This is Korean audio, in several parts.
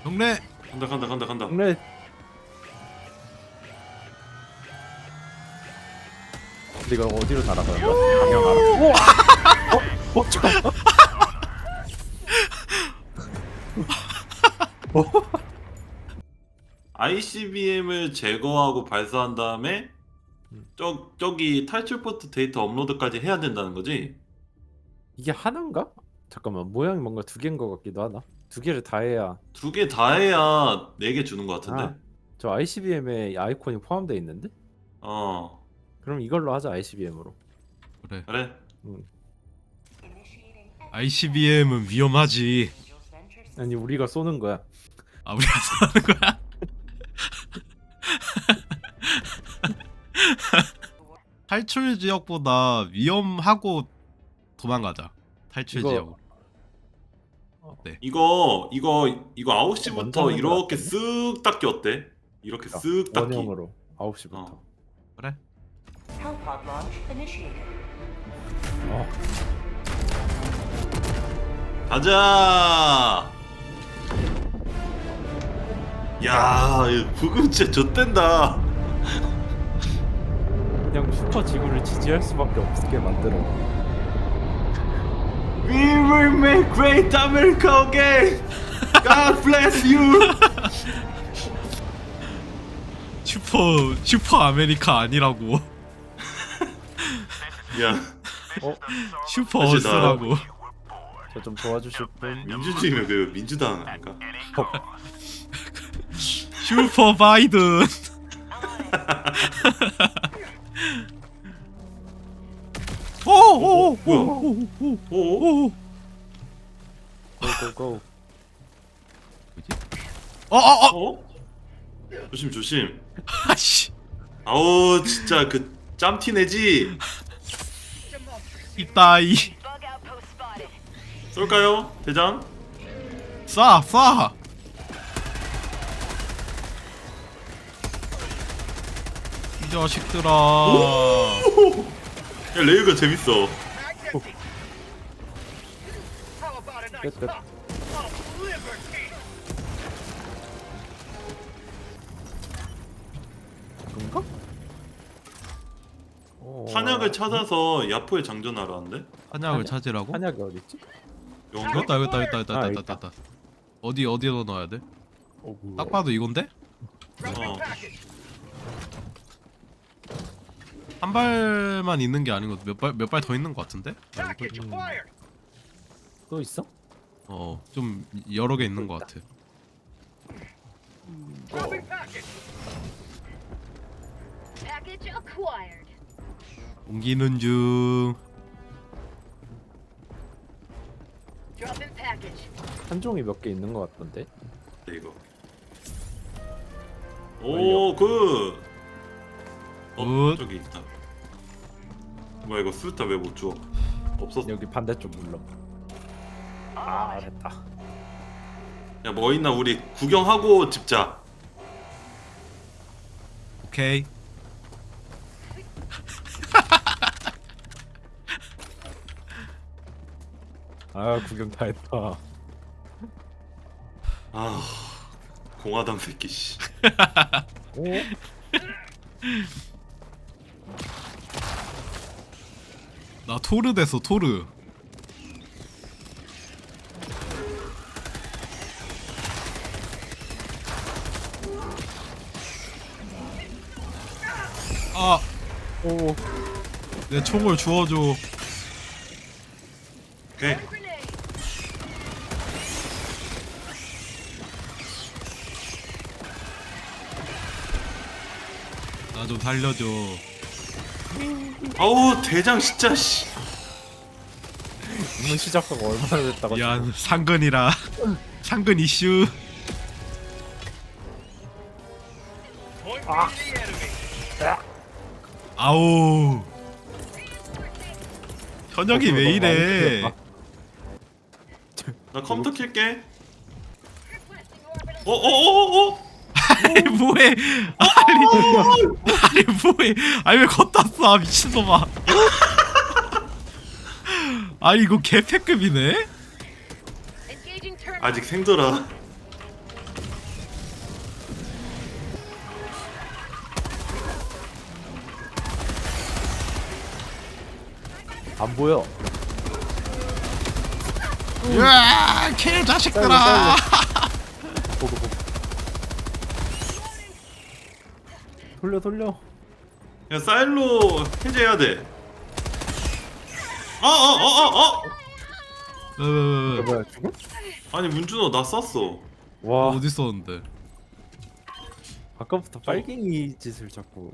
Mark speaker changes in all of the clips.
Speaker 1: 경례.
Speaker 2: 간다.
Speaker 3: 근데 이거 어디로 날아가는 거야? 방향 알아? 우와! 잠깐만.
Speaker 2: ICBM을 제거하고 발사한 다음에 저기 탈출 포트 데이터 업로드까지 해야 된다는 거지?
Speaker 3: 이게 하나인가? 잠깐만, 모양이 뭔가 두 개인 것 같기도 하나? 두 개를 다 해야.
Speaker 2: 두 개 다 해야 4개 주는 것 같은데?
Speaker 3: 아, 저 ICBM에 아이콘이 포함되어 있는데?
Speaker 2: 어,
Speaker 3: 그럼 이걸로 하자, ICBM으로.
Speaker 1: 그래.
Speaker 2: 그래.
Speaker 1: ICBM은 위험하지.
Speaker 3: 아니, 우리가 쏘는 거야.
Speaker 1: 아, 우리가 하는 거야? 탈출 지역보다 위험하고 도망가자. 탈출
Speaker 3: 이거-
Speaker 1: 지역.
Speaker 2: 이거 9시부터
Speaker 3: 먼저 하는 거
Speaker 2: 이렇게 쓱 닦기 어때? 이렇게 쓱 닦기.
Speaker 3: 원형으로 9시부터.
Speaker 2: 어.
Speaker 1: 그래?
Speaker 4: Hellpod launch initiated.
Speaker 2: 가자! 야, 이 부금 진짜 좆된다.
Speaker 3: 그냥 슈퍼 지구를 지지할 수밖에 없게 만들어.
Speaker 2: We will make great America again. God bless you.
Speaker 1: 슈퍼 아메리카 아니라고.
Speaker 2: 야,
Speaker 1: 슈퍼
Speaker 2: 사실 나-
Speaker 1: 어스라고.
Speaker 3: 저 좀 도와주실 분?
Speaker 2: 민주주의면 그 민주당 아닌가?
Speaker 1: 슈퍼 바이든. 오오오
Speaker 2: 뭐야?
Speaker 1: 오오오.
Speaker 3: 고고고.
Speaker 1: 어어어.
Speaker 2: 어? 조심.
Speaker 1: 아씨.
Speaker 2: 아우 진짜 그 짬티 내지.
Speaker 1: 이따이.
Speaker 4: Bug outpost spotted.
Speaker 2: 쏠까요, 대장?
Speaker 1: 쏴. 이 자식들아.
Speaker 2: 야, 레이가 재밌어.
Speaker 3: 끝. 그런가?
Speaker 2: 탄약을 찾아서 야포에 장전하라는데?
Speaker 1: 한약을 찾으라고?
Speaker 3: 한약이 어딨지?
Speaker 2: 이건가?
Speaker 1: 있다. 어디에 넣어야 돼? 딱 봐도 이건데?
Speaker 2: 어.
Speaker 1: 한 발만 있는 게 아니고 몇 발 더 있는 것 같은데?
Speaker 3: 또 있어?
Speaker 1: 좀 여러 개 있는 것 같아.
Speaker 4: Package acquired.
Speaker 1: 옮기는 중.
Speaker 4: Drop in package.
Speaker 3: 한 종이 몇 개 있는 것 같던데?
Speaker 2: 이거. 오, 그.
Speaker 1: 굿.
Speaker 2: 저기 있다. 뭐야 이거 수류탄 왜 못 줘? 없었어.
Speaker 3: 여기 반대쪽 눌러. 아, 됐다.
Speaker 2: 야, 뭐 있나 우리 구경하고 집자.
Speaker 1: 오케이.
Speaker 3: 아, 구경 다 했다.
Speaker 2: 아, 공화당 새끼 씨.
Speaker 3: 오?
Speaker 1: 나 토르 됐어 토르. 아,
Speaker 3: 오.
Speaker 1: 내 총을 주워줘.
Speaker 2: 오케이.
Speaker 4: Grenade.
Speaker 1: 나 좀 살려줘.
Speaker 2: 아우 대장 진짜 씨.
Speaker 3: 이번 시작하고 얼마나 됐다고.
Speaker 1: 미안, 상근이라. 상근 이슈. 아우. 현역이 왜 이래?
Speaker 2: 나 컴퓨터 킬게. 어어어어.
Speaker 1: 아니 뭐해? 아니 뭐해? 아니 왜 걷다 쏴 미친놈아? 아니 이거 개패급이네?
Speaker 4: Engaging terminal.
Speaker 2: 아직 생더라.
Speaker 3: 안 보여.
Speaker 1: 으아 개자식들아.
Speaker 3: 보고. 돌려.
Speaker 2: 야 사일로 해제해야 돼.
Speaker 1: 왜?
Speaker 3: 뭐야 죽어?
Speaker 2: 아니 문준호 나 쐈어.
Speaker 3: 와
Speaker 1: 어디 있었는데?
Speaker 3: 아까부터 빨갱이 짓을 자꾸.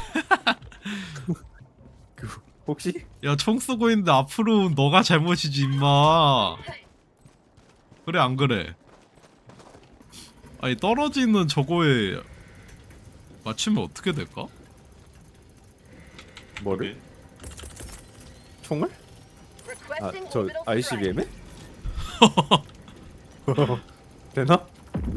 Speaker 3: 그 혹시?
Speaker 1: 야 총 쏘고 있는데 앞으로 너가 잘못이지 임마. 그래 안 그래? 아니 떨어지는 저거에 맞추면 어떻게 될까?
Speaker 3: 뭐를? 총을?
Speaker 4: Requesting
Speaker 3: 저
Speaker 4: orbital
Speaker 3: ICBM에? 되나?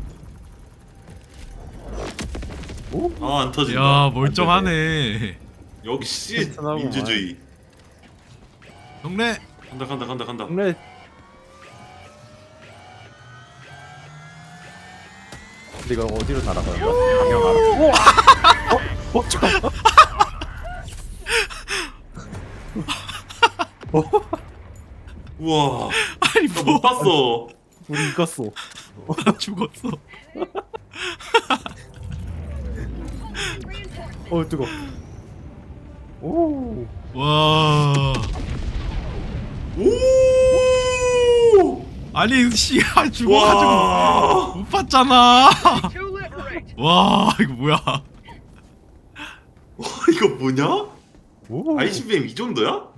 Speaker 3: 오?
Speaker 2: 아 안 터진다.
Speaker 1: 야 멀쩡하네.
Speaker 2: 역시
Speaker 3: 튼튼하구만.
Speaker 2: 민주주의.
Speaker 1: 형네.
Speaker 2: 간다.
Speaker 3: 근데 근데 이거 어디로 날아가는 거야? 방향 알아? 우와! 잠깐만.
Speaker 2: 우와.
Speaker 1: 아니
Speaker 2: 나
Speaker 1: 뭐?
Speaker 2: 못 봤어.
Speaker 3: 우리 이겼어.
Speaker 1: 나 죽었어.
Speaker 3: 뜨거. 오.
Speaker 1: 와.
Speaker 2: 오.
Speaker 1: 아니 씨야 죽어가지고
Speaker 2: 와.
Speaker 1: 못 봤잖아.
Speaker 4: To liberate.
Speaker 1: 와 이거 뭐야?
Speaker 2: 와 이거 뭐냐?
Speaker 3: 오.
Speaker 2: ICBM 이 정도야?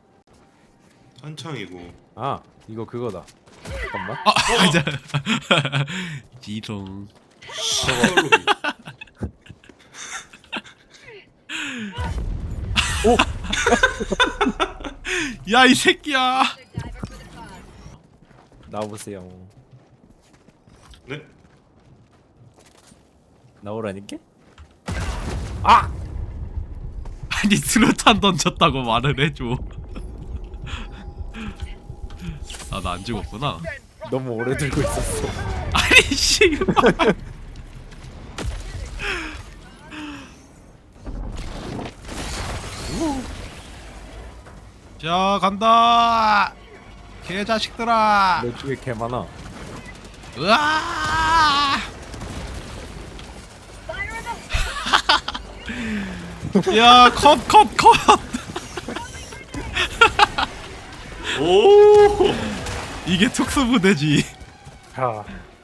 Speaker 2: 한창이고.
Speaker 3: 아 이거 그거다. 잠깐만.
Speaker 1: 아 이제 지롱.
Speaker 3: 오.
Speaker 1: 야 이 새끼야.
Speaker 4: Diver for the cause.
Speaker 3: 나와보세요.
Speaker 2: 네?
Speaker 3: 나오라니까?
Speaker 1: 아니 수류탄 던졌다고 말을 해줘. 아 나 안 죽었구나.
Speaker 3: 너무 오래 들고 있었어.
Speaker 1: 아니 씨. 자 간다. 개자식들아.
Speaker 3: 내 쪽에 개 많아.
Speaker 1: 으아.
Speaker 4: Fire in the
Speaker 1: 야 컷.
Speaker 2: 오.
Speaker 1: 이게 특수부대지.
Speaker 3: 자,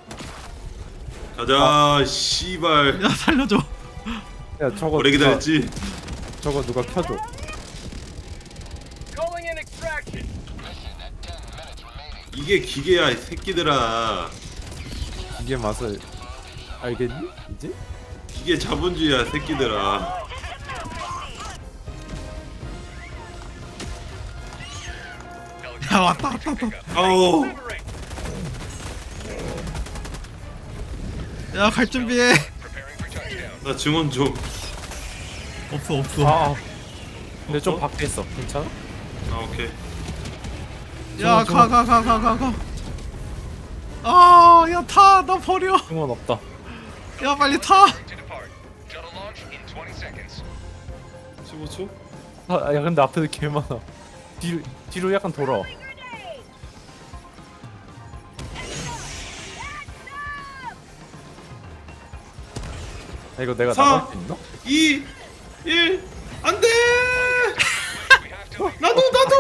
Speaker 2: 가자. 씨발.
Speaker 1: 야 살려줘.
Speaker 3: 야 저거
Speaker 2: 오래
Speaker 3: 누가,
Speaker 2: 기다렸지?
Speaker 3: 저거 누가 켜줘.
Speaker 4: calling in extraction.
Speaker 2: 이게 기계야 이 새끼들아.
Speaker 3: 이게 맛을 알겠니? 이제?
Speaker 2: 기계 자본주의야 새끼들아.
Speaker 1: 야 왔다.
Speaker 2: 아우.
Speaker 1: 야 갈 준비해.
Speaker 2: 나 증언 좀.
Speaker 1: 없어.
Speaker 3: 아. 근데 좀
Speaker 2: 없어?
Speaker 3: 밖에 있어. 괜찮아?
Speaker 2: 아 오케이.
Speaker 1: 야
Speaker 3: 저거.
Speaker 1: 가. 아, 야 타. 나 버려.
Speaker 3: 응원 없다.
Speaker 1: 야 빨리 타.
Speaker 2: 15초?
Speaker 3: 야 근데 앞에도 개 많아. 뒤로 약간 돌아. 야, 이거 내가
Speaker 2: 사.
Speaker 3: 나갈 수 있나?
Speaker 2: 2 1 안돼. 나도.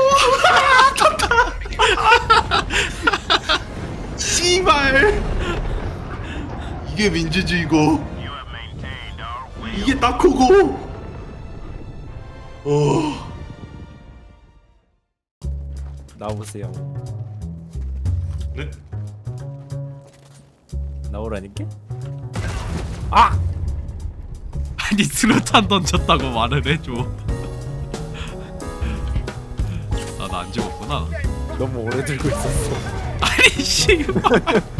Speaker 2: 씨발. 이게 민주주의고. 이게 딱코고.
Speaker 3: 나오세요.
Speaker 2: 네?
Speaker 3: 나오라니까?
Speaker 1: 아니 수류탄 던졌다고 말을 해줘. 아 나 안 죽었구나.
Speaker 3: 너무 오래 들고 있었어.
Speaker 1: 아니 씨.